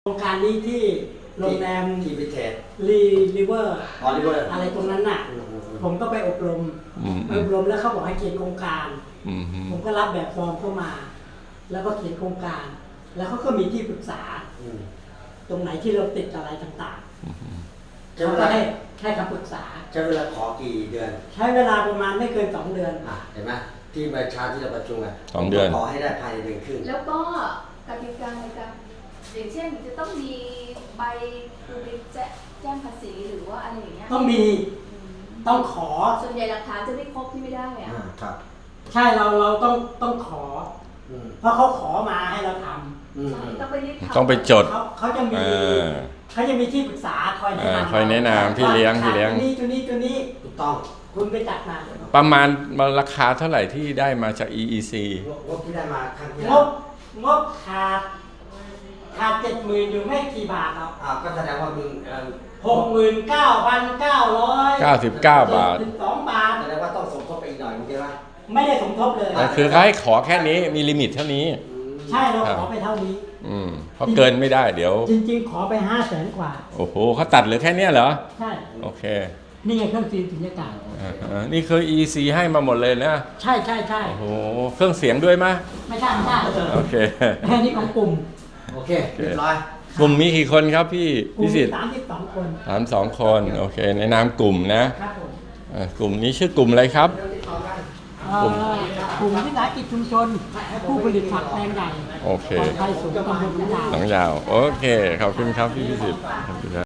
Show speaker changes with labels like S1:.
S1: โครงการนี้ที่โรงแรม
S2: ที่พิเศษ
S1: ริเวอร์
S2: ริเวอร์
S1: อะไรตรงนั้นน่ะผมก็ไปอบรมแล้วเขาบอกให้เขียนโครงการผมก็รับแบบฟอร์มเข้ามา แล้วก็เขียนโครงการ แล้วเขาก็มีที่ปรึกษาตรงไหนที่เราติดอะไรต่างๆเขาก็ให้คำปรึกษา
S2: ใช้เวลาขอกี่เดือน
S1: ใช้เวลาประมาณไม่เกิน2 เดือน
S2: เห็นไหมที่ประชาที่เราประชุมกัน
S3: 2 เดือน
S2: ขอให้ได้ภายในเดือนครึ่ง
S4: แล้วก็กติกาในการอย่างเช่นจะต้องมีใบคือไปแจ้งภาษีหรือว่าอะไรอย่างเงี้ย
S1: ต้องมีต้องขอ
S4: ส่วนใหญ่หลักฐานจะไม่ครบที่ไม่ได้อะ
S2: ครับ
S1: ใช่เราต้องขอเพราะเขาขอมาให้เราทำ
S4: ต้องไปรีบทำ
S3: ต้องไปจด
S1: เขาจะมีที่ปรึกษาคอย
S3: แนะนำพี่เลี้ยงตัว
S1: นี้
S2: ถูกต้อง
S1: คุณไปจัดมา
S3: ประมาณราคาเท่าไหร่ที่ได้มาจาก EEC
S2: งบที่ได้มาครั้งที่
S1: งบขาด70,000อยู่ไม่กี่บาทครับ
S2: ก็แสดงว่ามี
S1: 69,999
S3: บาท
S1: 12 บาท
S2: แสดงว่าต้องสมทบไปอีกหน่อยใช่ไหม
S1: ไม่ได้สมทบเลย
S3: คือเขาให้ขอแค่นี้มีลิมิตเท่านี้
S1: ใช่เราขอไปเท่านี้
S3: เพราะเกินไม่ได้เดี๋ยว
S1: จริงๆขอไป500,000 กว่า
S3: โอ้โหเขาตัดเหลือแค่นี้เหรอ
S1: ใช่
S3: โอเค
S1: นี่ไงเครื่องสุญญากาศ
S3: นี่คือ EC ให้มาหมดเลยนะ
S1: ใช่
S3: โอ้โหเครื่องเสียงด้วยไหม
S1: ไม่ใช่
S3: โอเค
S1: แค่นี้ของกลุ่ม
S2: โอเคเรียบร้อย
S3: กลุ่มมีกี่คนครับพี่พิสิทธิ์
S1: 32 คน
S3: 32 คนโอเคในนามกลุ่มนะครับกลุ่มนี้ชื่อกลุ่มอะไรครับ
S1: กลุ่มวิสาหกิจชุมชนผู้ผลิตผักแปลงใหญ่
S3: โอเค
S1: ไทยสูงตำบล
S3: หนองยาวโอเคขอบคุณครับพี่พิสิทธิ์